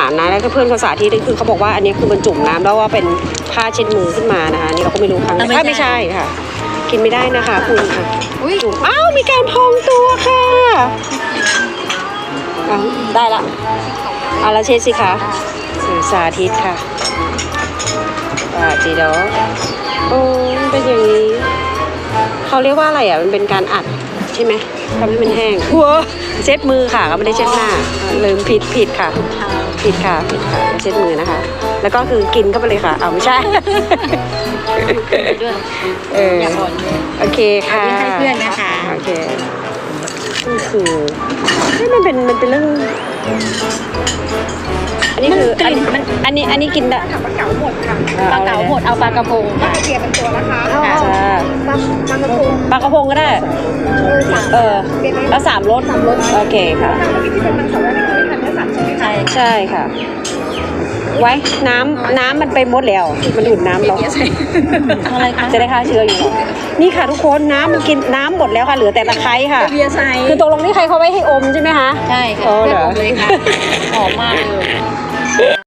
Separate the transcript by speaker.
Speaker 1: ารนะแล้วก็เพื่อนเขาสาธิตคือเขาบอกว่าอันนี้คือมันจุ่มน้ำแล้วว่าเป็นผ้าเช็ดมือขึ้นมานะคะนี่เราก็ไม่รู้ครั้งไม่ใช่ค่ะ กินไม่ได้นะคะคุณค่ะจุ่มอ้าวมีการพองตัวค่ะได้ละเอาละเช็ดสิคะสาธิตค่ะจีเดอโอ้เป็นอย่างนี้เขาเรียกว่าอะไรอ่ะมันเป็นการอัดใช่ไหมทำให้มันแห้งหัวเช็ดมือค่ะก็ไม่ได้เช็ดหน้าลืมผิดค่ะผิดค่ะเช็ดมือนะคะแล้วก็คือกินเข้าไปเลยค่ะเอาไม่ใช่
Speaker 2: อย่าบ่น
Speaker 1: โอเคค่ะ
Speaker 2: ให้เพื่อนนะคะ
Speaker 1: โอเคนี่คือมันเป็นเรื่องอันนี้คืออันนี้กินได้
Speaker 2: ปลาเก๋าหมดค่ะปลาเก๋าหมดเอาปลากระพงค่ะเกียร์เป็นตัวนะคะ
Speaker 1: ปลากระพงก็ได้แล้ว3 รสโอเคค่ะใช่ค่ะไว้น้ำมันไปหมดแล้วมันดูดน้ำเรา
Speaker 2: อะไรคะ
Speaker 1: จะได้ฆ่าเชื้ออยู่นี่ค่ะทุกคนน้ำมันกินน้ำหมดแล้วค่ะเหลือแต่ตะไคร้ค่ะคือตกลงนี่ใครเขาไว้ให้อมใช่ไหมคะ
Speaker 2: ใช่ค่ะเพื่อนอมเลยค่ะหอมมากเลย